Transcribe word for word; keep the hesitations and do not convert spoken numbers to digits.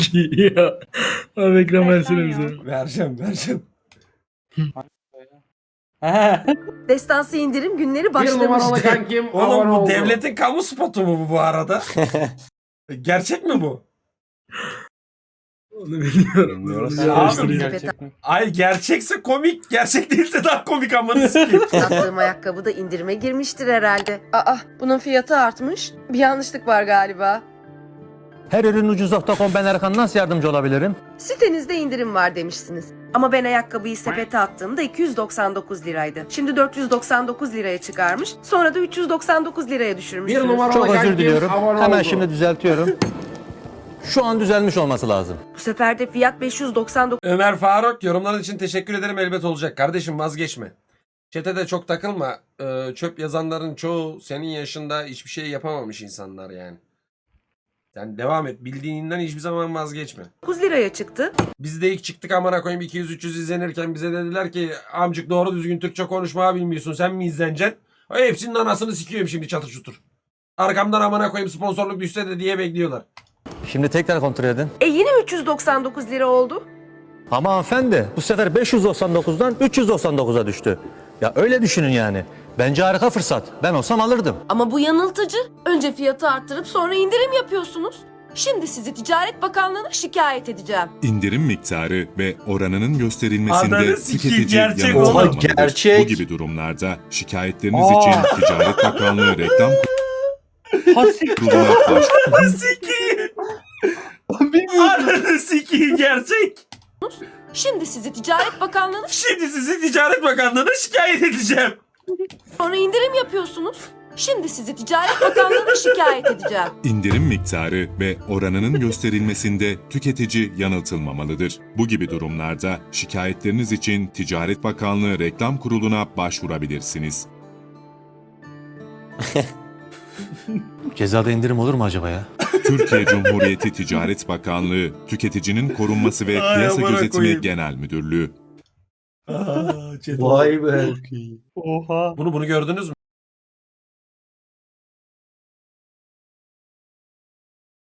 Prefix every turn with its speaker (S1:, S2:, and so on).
S1: Ya. Abi ekran versene bize.
S2: Vereceğim vereceğim.
S3: Destansı indirim günleri
S4: Bir numaralı
S3: başlamıştı.
S4: kankim
S2: Oğlum
S4: abone
S2: bu
S4: oldu.
S2: devletin kamu spotu mu bu bu arada? Gerçek mi bu?
S1: Onu bilmiyorum.
S5: Bilmiyoruz.
S1: Onu bir
S2: Abi,
S1: araştırayım.
S5: Gerçek mi?
S2: Ay gerçekse komik, gerçek değilse daha komik amına sikeyim.
S3: Sattığım ayakkabı da indirime girmiştir herhalde. Aa, bunun fiyatı artmış. Bir yanlışlık var galiba.
S6: Her ürün ucuz nokta com, ben Erkan, nasıl yardımcı olabilirim?
S3: Sitenizde indirim var demişsiniz. Ama ben ayakkabıyı sepete attığımda iki yüz doksan dokuz liraydı. Şimdi dört yüz doksan dokuz liraya çıkarmış. Sonra da üç yüz doksan dokuz liraya düşürmüşsünüz.
S4: Bir numaralı
S6: Çok özür
S4: kankim
S6: diliyorum.
S4: abone
S6: Hemen
S4: oldu.
S6: şimdi düzeltiyorum. Şu an düzelmiş olması lazım.
S3: Bu sefer de fiyat beş yüz doksan dokuz
S2: Ömer Faruk yorumların için teşekkür ederim, elbet olacak. Kardeşim vazgeçme. Çete de çok takılma. Ee, çöp yazanların çoğu senin yaşında hiçbir şey yapamamış insanlar yani. Sen devam et. Bildiğinden hiçbir zaman vazgeçme.
S3: liraya çıktı.
S2: Biz de ilk çıktık amına koyayım iki yüz üç yüz izlenirken bize dediler ki amcık doğru düzgün Türkçe konuşmayı bilmiyorsun, sen mi izleneceksin? Ay, hepsinin anasını sikiyorum şimdi çatır çutur. Arkamdan amına koyayım sponsorluk düşse de diye bekliyorlar.
S6: Şimdi tekrar kontrol edin.
S3: E yine üç yüz doksan dokuz lira oldu.
S6: Ama hanımefendi, bu sefer beş yüz doksan dokuzdan üç yüz doksan dokuza düştü. Ya öyle düşünün yani. Bence harika fırsat. Ben olsam alırdım.
S3: Ama bu yanıltıcı. Önce fiyatı arttırıp sonra indirim yapıyorsunuz. Şimdi sizi Ticaret Bakanlığı'na şikayet edeceğim.
S7: İndirim miktarı ve oranının gösterilmesinde
S2: Ananı sikeyim,
S7: tüketici
S2: gerçek
S7: yanıltılmamalıdır.
S5: oğlum. Gerçek.
S7: Bu gibi durumlarda şikayetleriniz
S5: Aa.
S7: için Ticaret Bakanlığı reklam
S5: Hasik.
S7: kuruluna
S2: Ananı sikeyim. Ananı sikeyim gerçek.
S3: Şimdi sizi Ticaret Bakanlığı'na
S2: Şimdi sizi Ticaret Bakanlığı'na şikayet edeceğim.
S3: sonra indirim yapıyorsunuz. Şimdi sizi Ticaret Bakanlığı'na şikayet edeceğim.
S7: indirim miktarı ve oranının gösterilmesinde tüketici yanıltılmamalıdır. Bu gibi durumlarda şikayetleriniz için Ticaret Bakanlığı Reklam Kurulu'na başvurabilirsiniz.
S6: Cezada indirim olur mu acaba ya?
S7: Türkiye Cumhuriyeti Ticaret Bakanlığı, Tüketicinin Korunması ve
S2: Ay,
S7: Piyasa
S2: amına
S7: Gözetimi
S2: koyayım.
S7: Genel Müdürlüğü.
S2: Aa, chat-
S5: Vay be. Oha.
S2: Bunu bunu gördünüz mü?